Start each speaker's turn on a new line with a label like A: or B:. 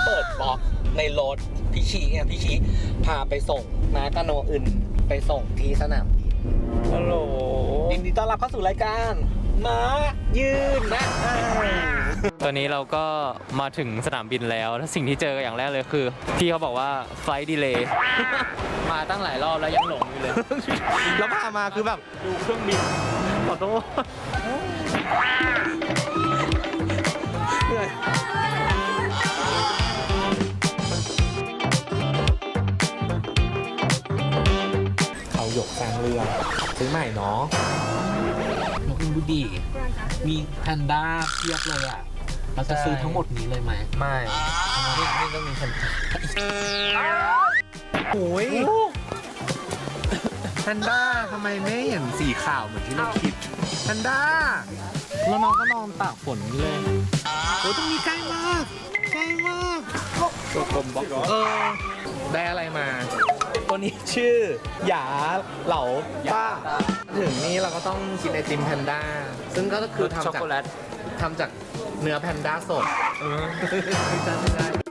A: เปิดบล็อกในรถพี่ชีเนี่ยพี่ชีพาไปส่งมากระโนอื่นไปส่งที่สนามบินฮัลโหลยินดีต้อนรับเข้าสู่รายการม้ายืนนะ
B: ตอนนี้เราก็มาถึงสนามบินแล้วแล้วสิ่งที่เจออย่างแรกเลยคือพี่เขาบอกว่าไฟล์ดีเลย์ มาตั้งหลายรอบแล้วยังหลงอยู่เลย
A: แล้วพามาคือแบบดูเครื่องบินขอโทษเหนื่อยเขาหยกแซงเรือซื้อใหม่เนาะแล้วคุณดูดิมีแพนด้าเทียบเลยอ่ะเราจะซื้อทั้งหมดนี้เลยไหมไม่นี่ต้องมีแพนด้าโอ้ยแพนด้าทำไมไม่เห็นสีขาวเหมือนที่เราคิดแพนด้าแล้วน้องก็นอนตากฝนเลยโอ้ตรงนี้ใกล้มากใกล้มากตัวกลมบล็อกได้อะไรมา ตัวนี้ชื่อหยาเหลาป้าถึงนี้เราก็ต้องกินไอติมแพนด้าซึ่งก็คือทำ
B: ช็อก
A: จาก
B: โกแลต
A: เนื้อแพนด้าสดไม่ใช่